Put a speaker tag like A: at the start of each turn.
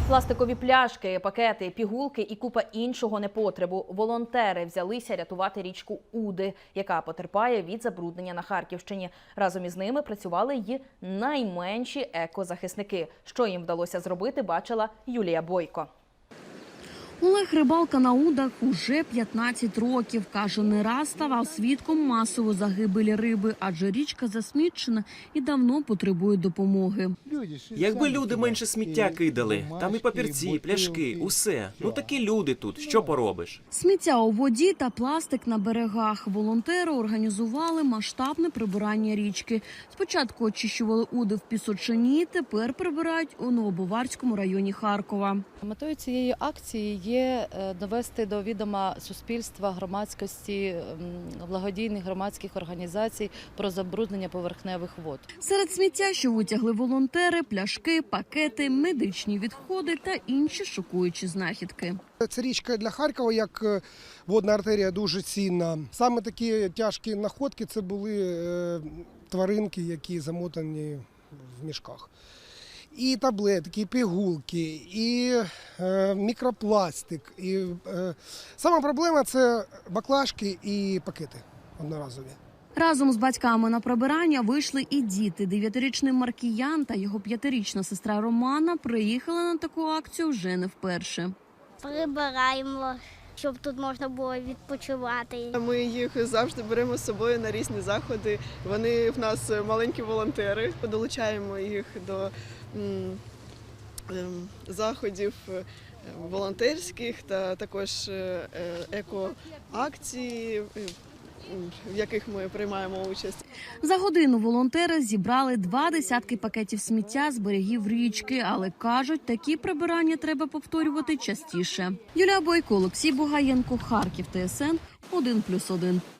A: Пластикові пляшки, пакети, пігулки і купа іншого непотребу. Волонтери взялися рятувати річку Уди, яка потерпає від забруднення на Харківщині. Разом із ними працювали й найменші екозахисники. Що їм вдалося зробити, бачила Юлія Бойко.
B: Олег рибалка на Удах уже 15 років. Каже, не раз ставав свідком масової загибелі риби, адже річка засмічена і давно потребує допомоги.
C: Якби люди менше сміття кидали, там і папірці, і пляшки, усе. Ну такі люди тут, що поробиш?
B: Сміття у воді та пластик на берегах. Волонтери організували масштабне прибирання річки. Спочатку очищували Уди в Пісочині, тепер прибирають у Новобаварському районі Харкова.
D: Метою цієї акції є довести до відома суспільства, громадськості, благодійних громадських організацій про забруднення поверхневих вод.
B: Серед сміття, що витягли волонтери, пляшки, пакети, медичні відходи та інші шокуючі знахідки.
E: Ця річка для Харкова як водна артерія дуже цінна. Саме такі тяжкі знаходки – це були тваринки, які замотані в мішках. І таблетки, і пігулки, і мікропластик. І сама проблема – це баклажки і пакети одноразові.
B: Разом з батьками на прибирання вийшли і діти. 9-річний Маркіян та його 5-річна сестра Романа приїхали на таку акцію вже не вперше.
F: Прибираємо, щоб тут можна було відпочивати.
G: Ми їх завжди беремо з собою на різні заходи. Вони в нас маленькі волонтери. Долучаємо їх до заходів волонтерських та також екоакцій, в яких ми приймаємо участь.
B: За годину волонтери зібрали 20 пакетів сміття з берегів річки, але кажуть, такі прибирання треба повторювати частіше. Юлія Бойко, Олексій Бугаєнко, Харків, ТСН 1+1.